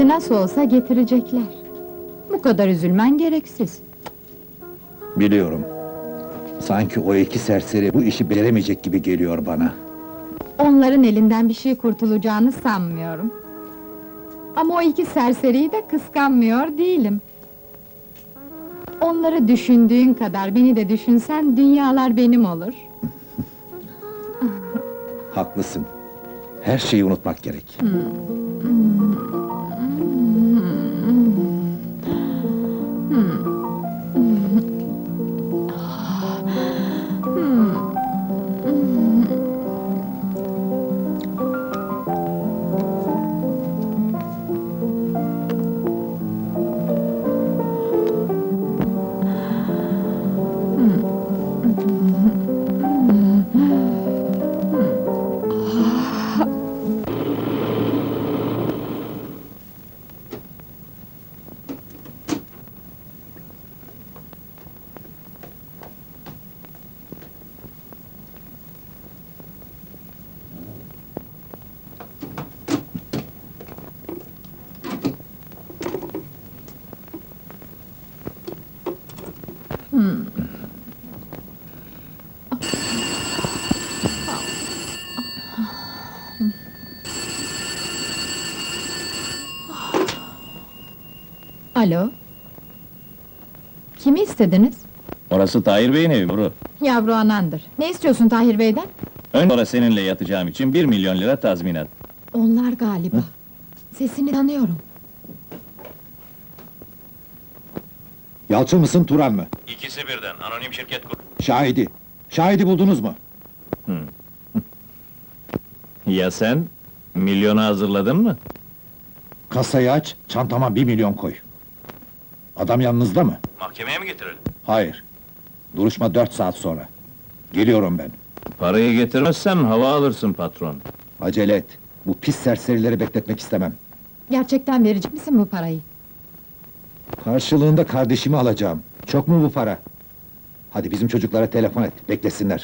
Şimdi nasıl olsa getirecekler. Bu kadar üzülmen gereksiz. Biliyorum. Sanki o iki serseri bu işi beceremeyecek gibi geliyor bana. Onların elinden bir şey kurtulacağını sanmıyorum. Ama o iki serseriyi de kıskanmıyor değilim. Onları düşündüğün kadar beni de düşünsen, dünyalar benim olur. Haklısın. Her şeyi unutmak gerek. Alo? Kimi istediniz? Orası Tahir Bey'in evi Buru. Yavru anandır. Ne istiyorsun Tahir Bey'den? Sonra seninle yatacağım için 1 milyon lira tazminat. Onlar galiba. Sesini tanıyorum. Yalçın mısın, Turan mı? İkisi birden, anonim şirket kur. Şahidi. Şahidi buldunuz mu? Ya sen? Milyonu hazırladın mı? Kasayı aç, çantama 1 milyon koy. Adam yanınızda mı? Mahkemeye mi getirelim? Hayır. Duruşma 4 saat sonra. Geliyorum ben. Parayı getirmezsen hava alırsın patron. Acele et. Bu pis serserileri bekletmek istemem. Gerçekten verecek misin bu parayı? Karşılığında kardeşimi alacağım. Çok mu bu para? Hadi bizim çocuklara telefon et, beklesinler.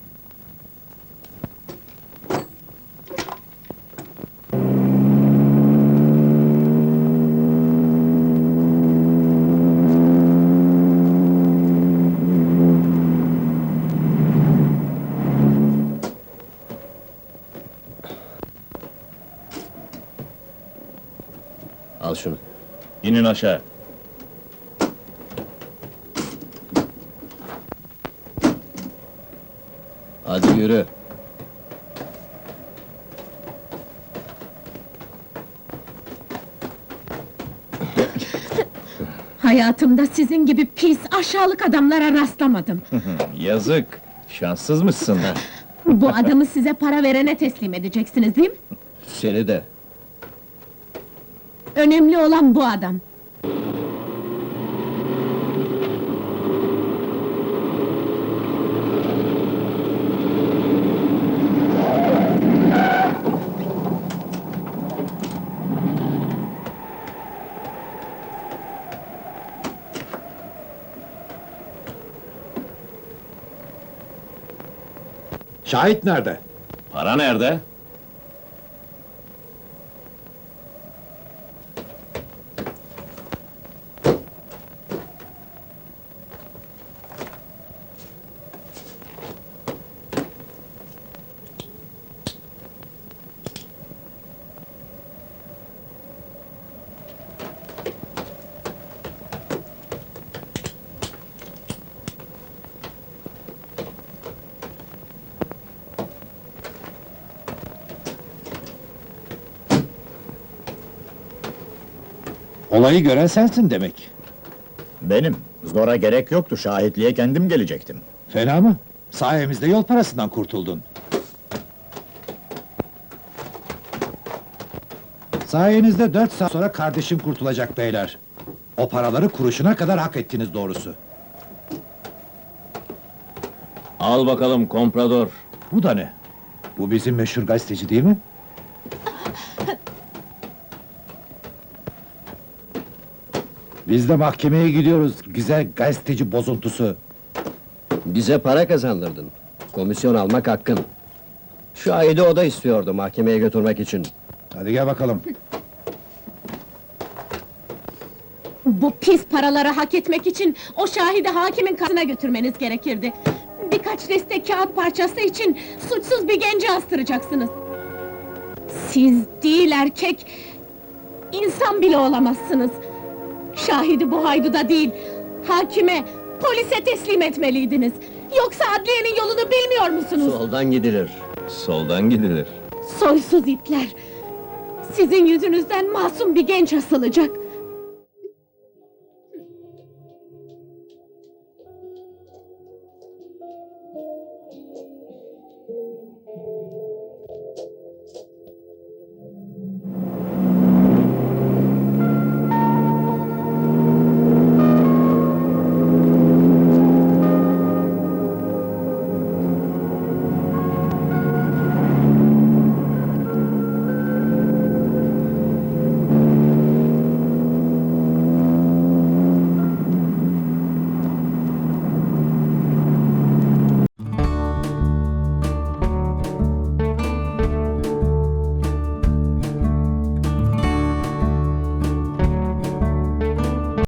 Al şunu. İnin aşağı. Hadi yürü. Hayatımda sizin gibi pis, aşağılık adamlara rastlamadım. Yazık. Şanssız mısın? Bu adamı size para verene teslim edeceksiniz, değil mi? Seni de. Önemli olan bu adam. Şahit nerede? Para nerede? Olayı gören sensin demek. Benim. Zora gerek yoktu, şahitliğe kendim gelecektim. Fena mı? Sayemizde yol parasından kurtuldun. Sayenizde 4 saat sonra kardeşim kurtulacak beyler. O paraları kuruşuna kadar hak ettiniz doğrusu. Al bakalım komprador. Bu da ne? Bu bizim meşhur gazeteci değil mi? Biz de mahkemeye gidiyoruz, güzel gazeteci bozuntusu. Bize para kazandırdın. Komisyon almak hakkın. Şahidi o da istiyordu mahkemeye götürmek için. Hadi gel bakalım. Bu pis paraları hak etmek için o şahidi hakimin karşısına götürmeniz gerekirdi. Birkaç deste kağıt parçası için suçsuz bir genci astıracaksınız. Siz değil erkek, insan bile olamazsınız. Şahidi bu hayduda değil, hakime, polise teslim etmeliydiniz. Yoksa adliyenin yolunu bilmiyor musunuz? Soldan gidilir. Soldan gidilir. Soysuz itler! Sizin yüzünüzden masum bir genç asılacak.